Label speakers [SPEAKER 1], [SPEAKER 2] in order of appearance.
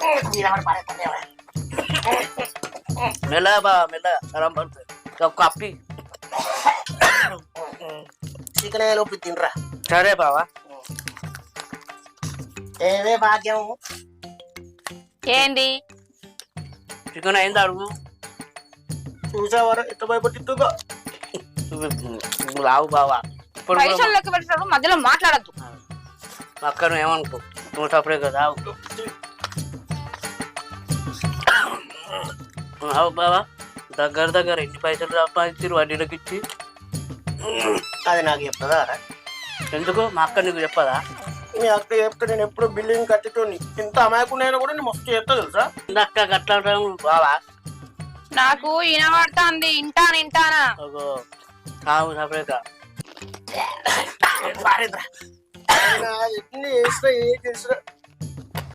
[SPEAKER 1] మెల్ల బావా మెల్ల గరం పడుతుంది ఒక కప్పి
[SPEAKER 2] చికెన్ లోపు తినరా.
[SPEAKER 1] సరే బావా.
[SPEAKER 2] ఏవే భాగ్యం
[SPEAKER 3] ఏంది
[SPEAKER 1] చికెన్ అయింది అడుగు.
[SPEAKER 2] చూసావారా ఎంత భయపడుతుందో.
[SPEAKER 1] రావు బావా ఇప్పుడు
[SPEAKER 3] పైసలు లెక్క పెట్టినప్పుడు మధ్యలో మాట్లాడద్దు.
[SPEAKER 1] అక్కడ ఏమనుకో నువ్వు తప్పుడే కదా రావు బావా. దగ్గర ఎన్ని పైసలు సంపాదించారు వడ్డీలకు ఇచ్చి.
[SPEAKER 2] అది నాకు చెప్తుందా?
[SPEAKER 1] ఎందుకు మా అక్క నీకు చెప్పదా?
[SPEAKER 2] మీ అక్క చెప్తే నేను ఎప్పుడు బిల్డింగ్ కట్టితోని ఇంత అమాయకున్నైనా కూడా నేను మస్తు చెప్తా తెలుసా.
[SPEAKER 1] అక్క గట్లా బావా
[SPEAKER 3] నాకు వినబడుతుంది ఇంటానా.
[SPEAKER 1] కావు సపరేట్
[SPEAKER 2] ఎన్ని చేసినా ఏ చేసినా